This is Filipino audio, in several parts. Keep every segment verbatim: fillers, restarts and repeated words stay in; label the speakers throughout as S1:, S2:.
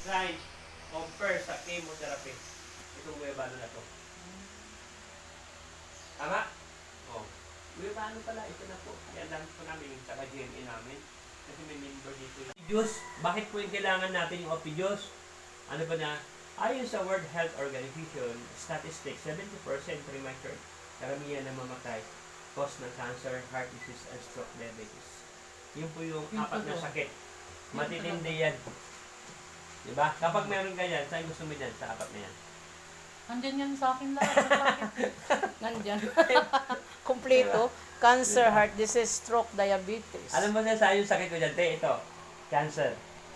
S1: design compare sa chemotherapy. Itong guyabano na to. Tama? Oh. Guyabano pala, ito na po. Yan lang po namin yung saka G M A namin. Kasi may member dito. Oppidios, bakit po yung kailangan natin yung Oppidios? Ano ba na? Ayon sa World Health Organization, statistics, seventy percent premature, karamihan na mamatay, cause ng cancer, heart disease, and stroke, diabetes. Yun po yung
S2: Yung
S1: apat na
S2: totoo.
S1: sakit. Matitindi yan. Diba? Kapag meron ka yan, saan gusto mo dyan sa apat na yan?
S2: Andyan yan sa akin lahat. Bakit?
S3: Nandyan. Kompleto. Cancer, heart disease, stroke, diabetes.
S1: Alam mo na sa yung sakit ko dyan, te, ito. Cancer.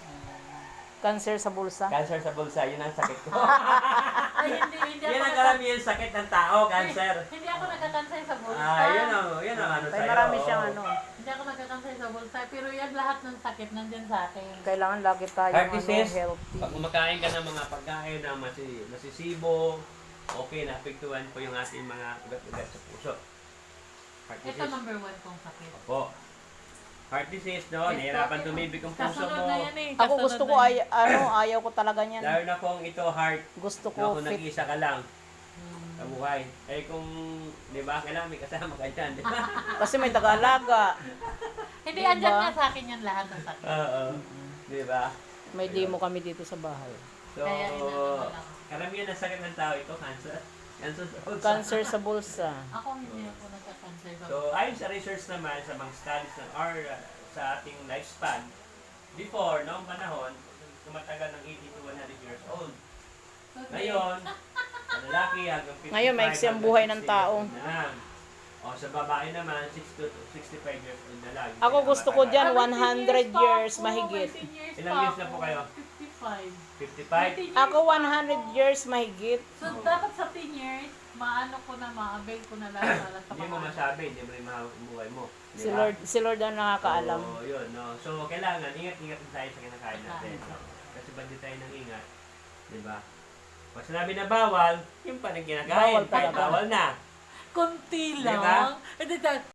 S3: Cancer sa bulsa.
S1: Cancer sa bulsa, yun ang sakit ko.
S2: Ay, hindi, hindi
S1: Yan
S2: ako
S1: ang
S2: nagka-
S1: karamihan sakit ng tao, cancer.
S2: Hindi ako nagkakansay sa bulsa.
S1: Ah, yun ang, yun ang ano
S3: Kaya
S1: sa'yo.
S3: marami
S1: oo.
S3: siyang ano.
S2: Hindi ako nagkakansay sa bulsa. Pero yan lahat ng sakit nandyan sa akin.
S3: Kailangan lagi tayo
S1: Heart
S3: ano,
S1: disease,
S3: healthy.
S1: pag kumakain ka ng mga pagkain na masi, masisibo, okay, naapektuhan po yung ating mga ugat-ugat sa puso. Heart
S2: Ito
S1: disease.
S2: number one kong sakit.
S1: Opo. Heart disease, no?
S2: Ito,
S1: Nahirapan
S2: ito.
S1: tumibig ang puso
S2: Kasunod
S1: mo.
S2: na yan eh.
S3: Ako
S2: Kasunod
S3: gusto ko,
S2: na
S3: ay,
S2: yan.
S3: ano, ayaw ko talaga niyan.
S1: Lalo na kung ito heart,
S3: Gusto
S1: no,
S3: ko
S1: kung
S3: fit.
S1: nag-isa ka lang
S2: Hmm.
S1: sa buhay. Eh kung, di ba, kailangan may kasama ka dyan. di ba?
S3: Kasi may taga-alaga.
S2: Hindi,
S3: Diba?
S2: andyan nga sa akin yan lahat ng sakit.
S1: Oo. Di ba?
S3: May demo kami dito sa bahay.
S1: So,
S2: Kaya inano lang.
S1: karamihan ng sakit ng tao ito, cancer. Cancer sa puso.
S3: Cancer sa bulsa.
S2: Ako hindi ako nagkakansay sa
S1: So, ayon sa research naman sa mga studies ng or uh, sa ating lifespan, before, noong panahon, tumatagal ng eighty to one hundred years old. Ngayon, sa lalaki hanggang fifty-five,
S3: Ngayon, maiksi ang buhay ng
S1: hanggang sixty
S3: tao.
S1: years old na lang. O sa babae naman, sixty to sixty-five years old na lang.
S3: Ako gusto ko dyan,
S2: Seventeen
S3: one hundred
S2: pa
S3: years
S2: ako,
S3: mahigit.
S2: eighteen years
S1: Ilang
S2: pa
S1: years na po
S2: ako,
S1: kayo?
S2: fifty-five.
S1: fifty-five?
S2: eighteen years
S3: Ako
S2: pa
S3: one hundred
S2: ako.
S3: years mahigit.
S2: So, dapat sa ten years, maano ko na, ma-avail ko na lahat para sa
S1: Hindi mo
S2: pangalan.
S1: masabi, hindi mo rin mahawak ang buhay mo. Di
S3: Si
S1: ba?
S3: Lord, si Lord ang nakakaalam.
S1: So, yun, no? So, kailangan, ingat-ingat din tayo sa kinakain natin. No? Kasi ba di tayo nang ingat? Di ba? Pag sinabi na bawal, yung pa nang kinakain,
S3: Bawal
S1: kahit
S3: talaga.
S1: bawal na.
S2: Kunti
S1: Diba?
S2: lang. Hindi,